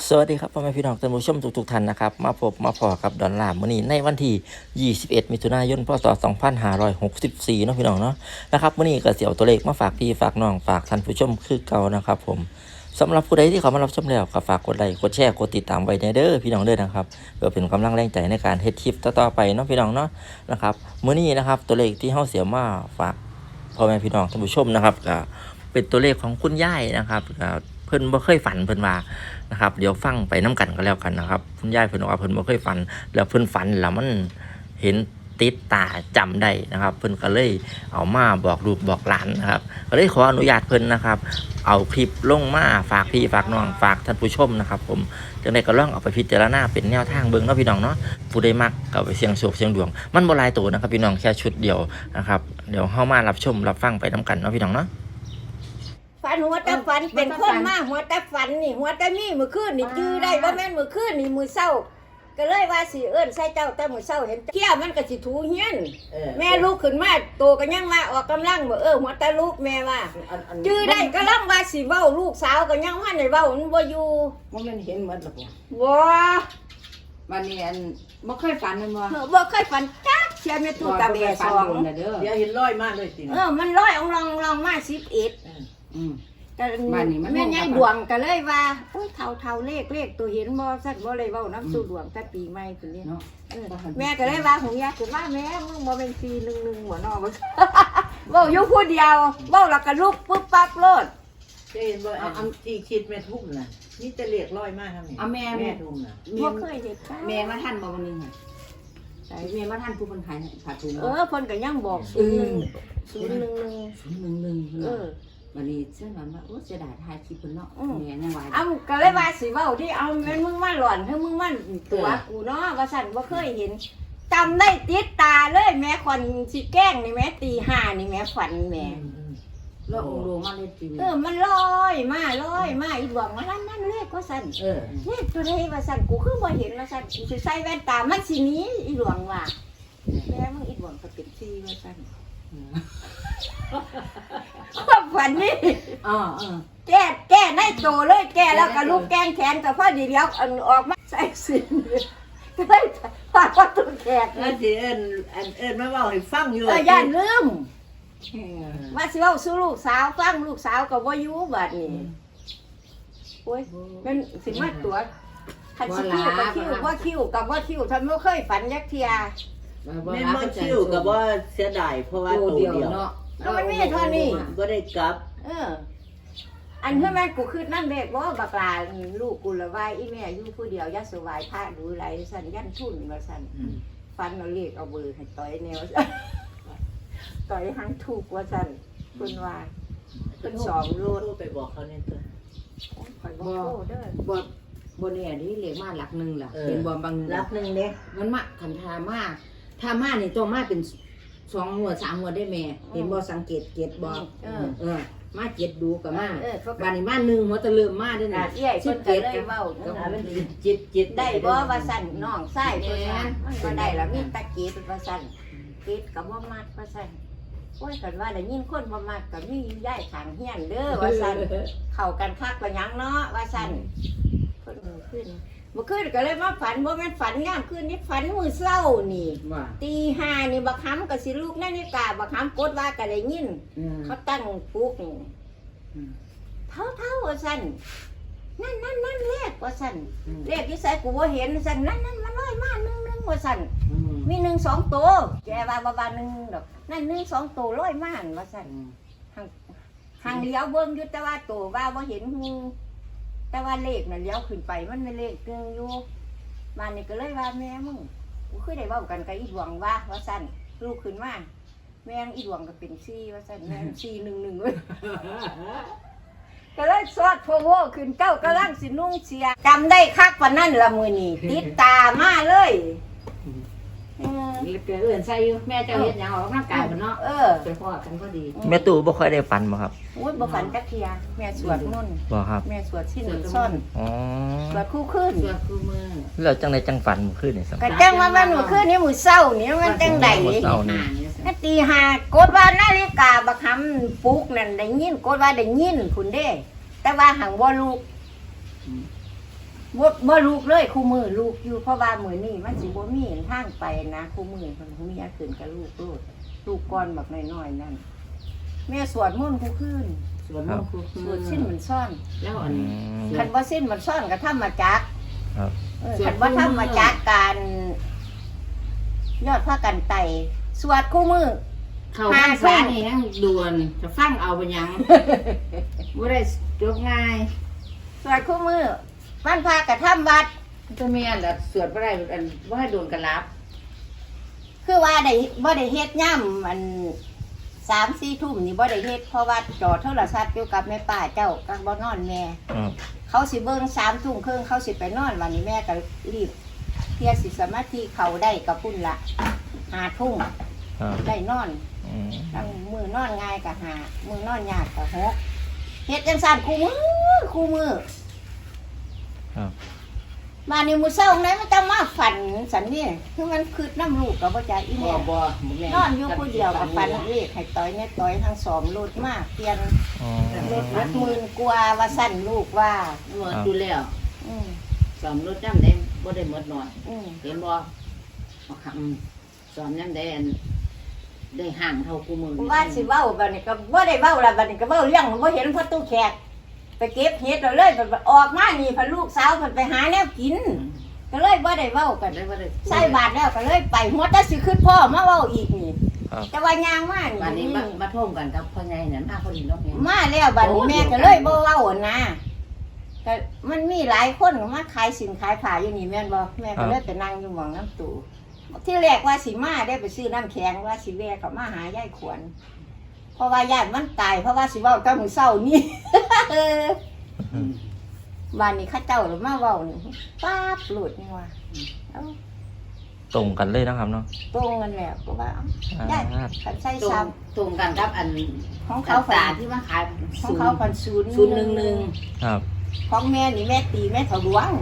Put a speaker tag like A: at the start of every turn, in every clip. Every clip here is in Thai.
A: สวัสดีครับพ่อแม่พี่น้องท่านผู้ชมทุกท่านนะครับมาพบมาพอกับดอนลาร์มื้อนี้ในวันที่21มิถุนายนพศ2564เนาะพี่น้องเนาะนะครับมื้อนี้ก็สิเอาตัวเลขมาฝากพี่ฝากน้องฝากท่านผู้ชมคือเก่านะครับผมสำหรับผู้ใดที่เขามารับชมแล้วก็ฝากกดไลค์กดแชร์กดติดตามไว้ในเด้อพี่น้องเด้อนะครับเพื่อเป็นกำลังแรงใจในการเฮ็ดคลิปต่อๆไปเนาะพี่น้องเนาะนะครับมื้อนี้นะครับตัวเลขที่เฮาเสียมาฝากพ่อแม่พี่น้องท่านผู้ชมนะครับก็เป็นตัวเลขของคุณยายนะครับเพิ่นบ่เคยฝันเพิ่นว่านะครับเดี๋ยวฟังไปน้กันก็แล้วกันนะครับคุณยายเพิ่นบอกว่าเพิ่นบ่เคยฝันแล้วเพิ่นฝันแล้วมันเห็นติดตาจำได้นะครับเพิ่นก็เลยเอามาบอกลูกบอกหลานนะครับก็เลยขออนุญาตเพิ่นนะครับเอาคลิปลงมาฝากพี่ฝากน้องฝากท่านผู้ชมนะครับผมจังได๋ก็ลองเอาไปพิจารณาเป็นแนวทางเบิ่งเนาะพี่น้องเนาะผู้ใดมักก็ไปเสี่ยงโชคเสี่ยงดวงมันบ่หลายตัวนะครับพี่น้องแค่ชุดเดียวนะครับเดี๋ยวเฮามารับชมรับฟังไปน้กันเนาะพี่น้องเนาะ
B: ฝันหัวตาฝันเป็นคนมากหัวตาฝันนี่หัวตามีมือคืนนี่จื้อได้ว่าแม่นมือคืนนี่มือเศร้าก็เลยว่าสิเอิ้นใส่เจ้าแต่มือเศร้าเห็นเที่ยมันก็สิถูเฮียนแม่ลูกขึ้นมาโตก็ยังว่าออกกำลังบ่หัวตาลูกแม่ว่าจื้อได้ก็ลังว่าสิเว้าลูกสาวก็ยังว่าได้เว้ามันบ่อยู่
C: บ่แม่นเห็นหมดหรอกบ่วันนี้บ่เคยฝันแม่นบ่
B: บ่เคยฝันจักเสียแม่ตู้ตาแบสอง
C: เด้อ
D: เดี๋ยวเห็นร้อยมากเลยจริง
B: มันร้อยองลองมา11ก็แม่ยายดวงก็เลยว่าโอ้ยเท่าเลขตัวเห็นบ่ซั่นบ่เลยเว้าน้ำสู่ดวงแต่ปีใหม่พุ่นนี่แม่ก็เลยว่าหงยาคือว่าแม่มึงบ่เป็น411หัวเนาะบ่เว้าอยู่ผู้เดียวเว้าแล้วก็ลุกปึ๊บปั๊บโลด
D: จะเห็นว่าอันที่คิดแม่ทุ่มน่ะนี่จะเรียกร้อยมากครับนี่แม่ทุ่มน่ะ
B: บ่เคยเฮ็ด
C: แม่มาทันบ่วันนึงค่ะใช่แม่มาทันผู้เพิ่นขายผ้าถุง
B: เพิ่นก็ยังบอก011
C: วันนี้ฉันว่าโอ้เสียดายถ่ายคลิปเพิ่นเนาะแม่ยังว่า
B: ก็เลยว่าสิเว้าที่เอาแม่นมึงมาหล่อนให้มึงมาตัวกูเนาะว่าซั่นบ่เคยเห็นจำได้ติดตาเลยแม่คนสิแกล้งนี่แม่ตี5นี่แม่ฝันแม่
C: แล้วองค์ลงมาเลยที
B: มันลอยมาอีหลวงว่านั่นเลขว่าซั่นเลขตัวใดว่าซั่นกูคือบ่เห็นว่าซั่นสิใส่แว่นตามันสิหนีอีหลวงว่าแม่มึงอีหลวงก็เป็น4ว่าซั่นความฝันนี่แก้ในโตเลยแก้แล้วก็ลูกแกงแขนกับพ่อดีเดียวออกมาใส่สินก็ได้ฝากว่าตัวแขก
D: นั่นสิเอิ้นมาเว้าให้ฟังอยู่
B: ย่านลืมว่าสิเว้าสู่ลูกสาวฟังลูกสาวก็บ่อยู่บัดนี้โอ้ยมันสิมาตัวคันสิคิวกับคิวทำบ่เคยฝันยักเทีย
D: แม่บ่คิวก็บ่เสียดายเพราะว่าตัวเดียว
B: เนาะมันมีเท่านี้
D: บ่ได้กลับ
B: อันเพื่อนแม่กูคือนั่นเด็กว่าบักลาลูกกูละว่าอีแม่อยู่ผู้เดียวยัดสวายผ้าดูไรสันยันทุนมาสันฟันเราเรียกเอาเบอร์ให้ต่อยแนวต่อยหังถูกว่าสันคุณว่าคุณสองรูด
D: ไปบอกเขาเนี่ยตัว
C: บ่เนี่ยนี่เรียกมาหลักหนึ่งล่ะเห็นบ่บาง
D: หลักหนึ่งเด้
C: มันมาขันทามานี่ตัวมาเป็น2 หัว 3 หัวได้แม่เห็นบ่สังเกตเกตบ่มาเจ็ดดูกับมาบ้านนี้มา1หัวตะเริ่มมาด้วยนะ
B: ชื่อเจ็ดเลยเว้า
D: จิต
B: ได้บ่ว่าสั่นน้องไส้บ่สั่นก็ได้ละมีตะเกียบว่าสั่นเก็ดกับบ่มัดว่าสั่นโอ้ยกันว่าได้ยินคนบ่มัดก็มีอยู่ย้ายข้างเฮียนเด้อว่าสั่นเข้ากันคักว่าหยังเนาะว่าสั่นเพิ่นขึ้นเมื่อคืนก็เลยมาฝันบ่แม่นฝันยามคืนนี้ฝันมื้อเช้านี่ตี5นี่บักหำก็สิลูกนาฬิกาบักหำกดว่าก็ได้ยินเขาตั้งปลุกเท่าว่าสั่นนั่นเลขว่าสั่นเลขที่ใส่กูบ่เห็นสั่นนั่นมันลอยมา1ว่าสั่นมี1 2ตัวแกว่าบ่1ดอกนั่น1 2ตัวลอยมาว่าสั่นห่างเลี้ยวเบิ่งอยู่แต่ว่าตัวว่าบ่เห็นฮูแต่ว่าเลขน่ะเลี้ยวขึ้นไปมันไม่เลขนึงอยู่บ้านนี่ก็เลยว่าแม่มึงกูเคยได้เว้ากันกับอีดวงว่าสั่นลูกขึ้นมาแม่อีดวงก็เป็น4ว่าสั่นแม่411เว้ยก็เลยสอดโพโวขึ้นเก้ากำลังสินุ่งเสียจำได้คักปานนั้นละมื้อนี้ติดตามาเลย
C: เกิดใส่อยู่แม่เจ้าเฮ็ดหยังออกกำลังกายบ่เนาะไปพ้อกันพอดี
A: แม่ตู่บ่ค่อยได้ฝันบ่ครับ
B: โอ้ยบ่ฝันจักเที่ยแม่สวดมนต์
A: บ่ครับ
B: แม่สวดสิ้นซ่อนสวดคู่คืน
C: สวดคู่มื้อ
A: แล้วจังได๋จังฝันมื้อคืนนี่
B: ก็จังว่ามันมื้อคืนนี้มื้อเช้านี่มันจังได๋ตี5กดว่านาฬิกาบักหำปลุกนั่นได้ยินกดว่าได้ยินพุ่นเด้แต่ว่าหังบ่ลูกบ่ลูกเลยคู่มือลูกอยู่เพราะว่ามื้อนี้มันสิบ่มีทางไปนะคู่มือเพิ่นมีอันขึ้นกับลูกก่อนบักน้อยๆนั่นแม่สวดมนต์ทุกคืน
C: สวนมนต์คือ
B: สวดสิ้นมันซ่อน
C: แล้วอันนี้
B: คันบ่สิ้นมันซ่อนก็ทำมาจัก
A: ครับ
B: คันบ่ทำมาจักการยอดพระกันไตสวดคู่มือ
C: เข้าพรรษานี่ยังด่วนจะฟังเอาไปยังบ่ได้จบง่าย
B: สวดคู่มือวันพระก็ทำวัด
C: จะมีอันละสวดบ่ได้อันบ่ให้โดนกันรับ
B: คือว่าได้บ่ได้เฮ็ดย่ำมัน3-4 ทุ่มนี่บ่ได้เฮ็ดเพราะว่าจอโทรศัพท์อยู่กับแม่ป้าเจ้าก็บ่นอนแม่
A: ครับ
B: เขาสิเบิ่ง3 ทุ่มครึ่งเขาสิไปนอนวันนี้แม่ก็รีบเพียสิสมาธิเขาได้กับพุ่นละ5 ทุ่ม
A: ครับ
B: ได้นอน
A: อืม
B: ทั้งมือนอนง่ายก็5มือนอนยากก็6เฮ็ดจังซั่นคู่มือ
A: ครับ
B: มานี่มื้อเช้าไหนมันจะมาฝันสันนี่คือมันคืดน้ำลูกก็บ่จ่ายอี
C: บ่
B: แม่
C: บ่แม่
B: นอนอยู่ผู้เดียวกับปันเลขให้ต้อยเนี่ยต้อยทั้งสองรถมากเปลี่ยน
A: อ๋อ
B: รถวัด10,000กว่าว่าสั่นลูกว่า
C: หมดอยู่แล้ว
B: อืม
C: สอมรถจำได้บ่ได้หมดหน่อย
B: อืม
C: เห็นบ่เอาคำสอมยังได้อันได้ห่างเท่ากูมือ
B: ว่าสิเว้าบัดนี้ก็บ่ได้เว้าละบัดนี้ก็เว้าเรื่องบ่เห็นพ่อตู้แขกไปเก็บเห็ดเอาเลยบัดออกมานี่พาลูกสาวเพิ่นไปหาแนวกิน ก็เลยบ่ได้เว้ากัน
C: ได้บ่ได้
B: ใส่บาทแล้วก็เลยไปหัวแต่สิขึ้นพ่อมาเว้าอีกนี่
A: ครับ
B: แต่ว่ายางมา
C: วันนี้
B: นี่
C: มาท่วมกันกับพ่อใหญ่นั่นมาพอดีเนาะแม่
B: มาแล้วบัดนี้แม่ก็เลยบ่เว้าอะนะก็มันมีหลายคนมาขายสินขายผ้าอยู่นี่แม่นบ่แม่ก็เลยไปนั่งอยู่หม่องน้ำตู้ที่แรกว่าสิมาได้ไปซื้อน้ำแข็งว่าสิแวะเขามาหายายขวัญเพราะว่าญาติมันตายเพราะว่าสิเว้ากับมื้อเช้านี่ บ้านนี้เข้าเจ้าหรือมาเว้านี่ป๊าบหลุดนี่ว่าเอ้า
A: ตรงกันเลยนะครับเนาะ
B: ตรงกันแล้วก็ว่าเอ้าญาติขันใส่
C: ตรง
B: ซ้
C: ตรงกันกับอัน
B: ำของ
C: เขา
B: เขา
C: ตา
B: ฝัน
C: ที่มาขาย
B: ของเขาฝัน011
C: 011
A: ครับ
B: ของแม่นี่แม่ตีแม่ถดวง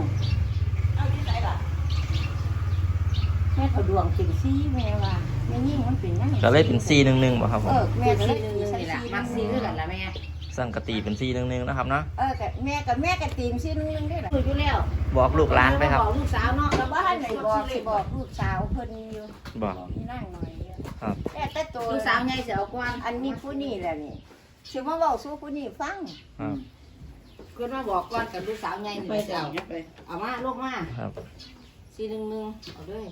B: แม่ถดวงเป็นซี่แม่ว่าแม่ยิ่งมันเป็นนั่ง
A: ก็เลยเป็น411บ่ครับผม
B: แม่ก็เลย
C: 411
B: ตีใส่
C: นี่ล่ะ
B: ซี่
C: มักซีคือกันล่ะแม่
A: สังกตีเป็น411นะครับเนาะ
B: กับแม่ก็ตีมซี่นึงได้หรอ
C: คุยอยู่แล้ว
A: บอกลูกหลานไปครับ
C: บอกลูกสาวเนาะ
B: แล้วบ้านไหนบอกสิบอกลูกสาวเพิ่นอยู่
A: บอก
B: นี่นั่งหน่อยเดียว
A: ครับ
B: แต่ตัว
C: ลูกสาวใหญ่สิเอาก่อน
B: อันนี้ผู้นี่แหละนี่สิมาบอกสู้ผู้นี่ฟัง
A: ครับ
C: เพิ่นมาบอกก่อนกับลูกสาวใหญ่นี่จะเอามาลูกมา
A: ครับ
C: 411เอาเลย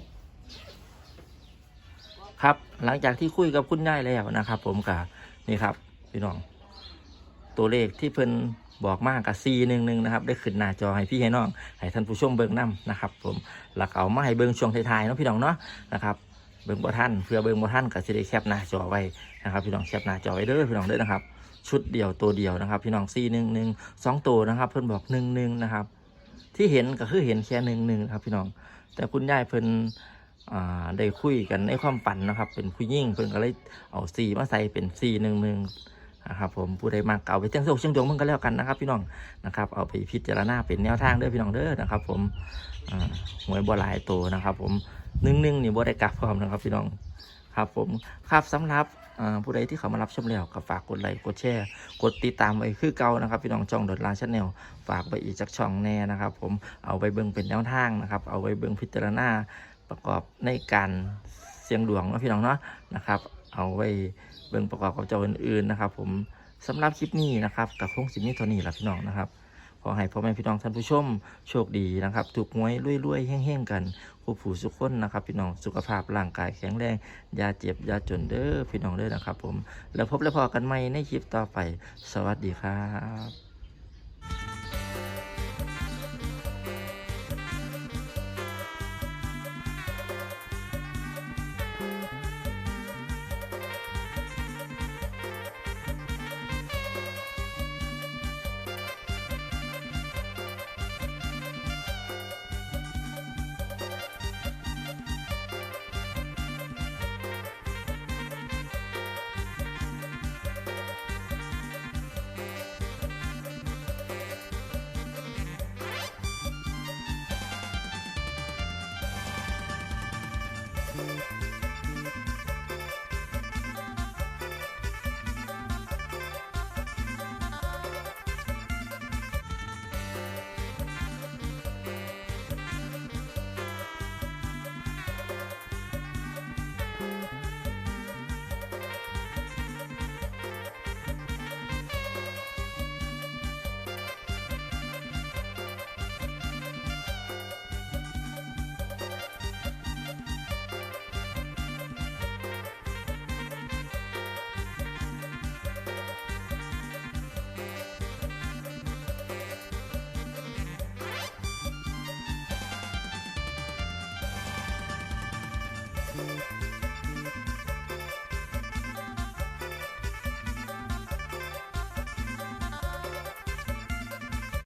A: ครับหลังจากที่คุยกับคุณยายแล้วนะครับ ผมกับนี่ครับพี่น้องตัวเลขที่เพิ่นบอกมากกับ411นะครับได้ขึ้นหน้าจอให้พี่ให้น้องให้ท่านผู้ชมเบิ่งนํนะครับ ผมหลักเอามาให้เบิ่งช่วงท้ายๆเนาะพี่น้องเนาะนะครับเบิ่งบ่ทันเพื่อเบิ่งบ่ทันก็สิได้แคปหน้าจอไว้นะครับ พี่น้องแคปหน้าจอไว้เด้อพี่น้องเด้อนะครับ ชุดเดียวตัวเดียวนะครับ พี่น้อง411 2ตัวนะครับ เพิ่นบอก11นะครับ ที่เห็นก็คือเห็นแค่11ครับพี่น้องแต่คุณยายเพิ่นได้คุยกันในความฝันนะครับ เป็นผู้ยิ่งเพิ่นก็เลยเอา4มาใส่เป็น411นะครับผมผู้ใดมาเก่าไปเชียงโศกเชียงดวงมันก็แล้วกันนะครับ พี่น้องนะครับเอาไปพิจารณาเป็นแนวทางเด้อพี่น้องเด้อนะครับ ผมหวยบ่หลายตัวนะครับ ผม11นี่บ่ได้กลับพร้อมนะครับ พี่น้องครับผมครับสำหรับผู้ใดที่เขามารับชมแล้วก็ฝากกดไลค์กดแชร์กดติดตามไว้คือเก่านะครับ พี่น้องช่อง.ลาชาแนลฝากไปอีกจักช่องแน่นะครับ ผมเอาไปเบิ่งเป็นแนวทางนะครับ เอาไว้เบิ่งพิจารณาประกอบในการเสี่ยงดวงเนาะพี่น้องเนาะนะครับ เอาไว้เบิ่งประกอบกับเจ้าอื่นๆนะครับ ผมสำหรับคลิปนี้นะครับกับคงสิมีเท่านี้ละพี่น้องนะครับขอให้พ่อแม่พี่น้องท่านผู้ชมโชคดีนะครับถูกหวยรวยๆแห้งๆกันผู้ผู้สุขคนนะครับ พี่น้องสุขภาพร่างกายแข็งแรงอย่าเจ็บอย่าจนเด้อพี่น้องเด้อนะครับ ผมแล้วพบและพอกันใหม่ในคลิปต่อไปสวัสดีครับ